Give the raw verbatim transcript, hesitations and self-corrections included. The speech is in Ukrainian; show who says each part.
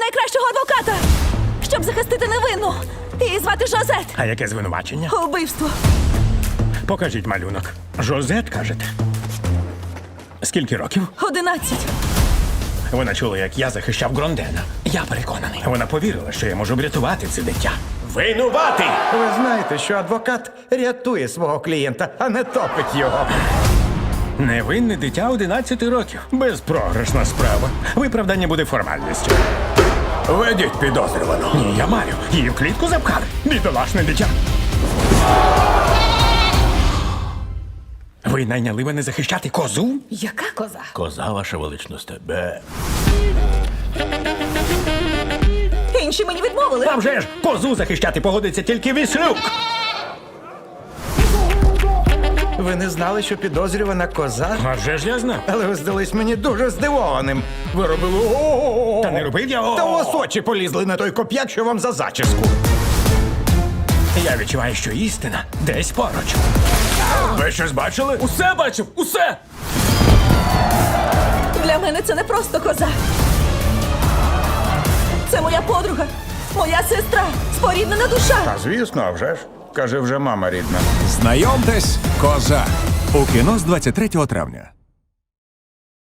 Speaker 1: найкращого адвоката, щоб захистити невинну. Її звати Жозет.
Speaker 2: А яке звинувачення?
Speaker 1: Убивство.
Speaker 2: Покажіть малюнок. Жозет, кажете? Скільки років?
Speaker 1: Одинадцять.
Speaker 2: Вона чула, як я захищав Грондена. Я переконаний. Вона повірила, що я можу врятувати це дитя. Винуватий!
Speaker 3: Ви знаєте, що адвокат рятує свого клієнта, а не топить його.
Speaker 2: Невинне дитя одинадцяти років. Безпрограшна справа. Виправдання буде формальністю.
Speaker 3: Ведіть підозрювану.
Speaker 2: Ні, я маю. Її в клітку запхали. Бідолашне дитя. Ви найняли мене захищати козу?
Speaker 1: Яка коза?
Speaker 3: Коза, ваша величність, тебе.
Speaker 1: Інші мені відмовили.
Speaker 2: А вже ж, козу захищати погодиться тільки Віслюк.
Speaker 3: Ви не знали, що підозрювана коза?
Speaker 2: А вже ж я знав.
Speaker 3: Але ви здались мені дуже здивованим. Ви робили о.
Speaker 2: Та не робив я.
Speaker 3: Та у вас очі полізли на той коп'як, що вам за зачіску.
Speaker 2: Я відчуваю, що істина десь поруч. Ви щось бачили?
Speaker 4: Усе бачив, усе!
Speaker 1: Для мене це не просто коза. Це моя подруга, моя сестра, споріднена душа.
Speaker 3: А звісно, а вже ж. Каже, вже мама рідна.
Speaker 5: Знайомтесь, коза. У кіно з двадцять третього травня.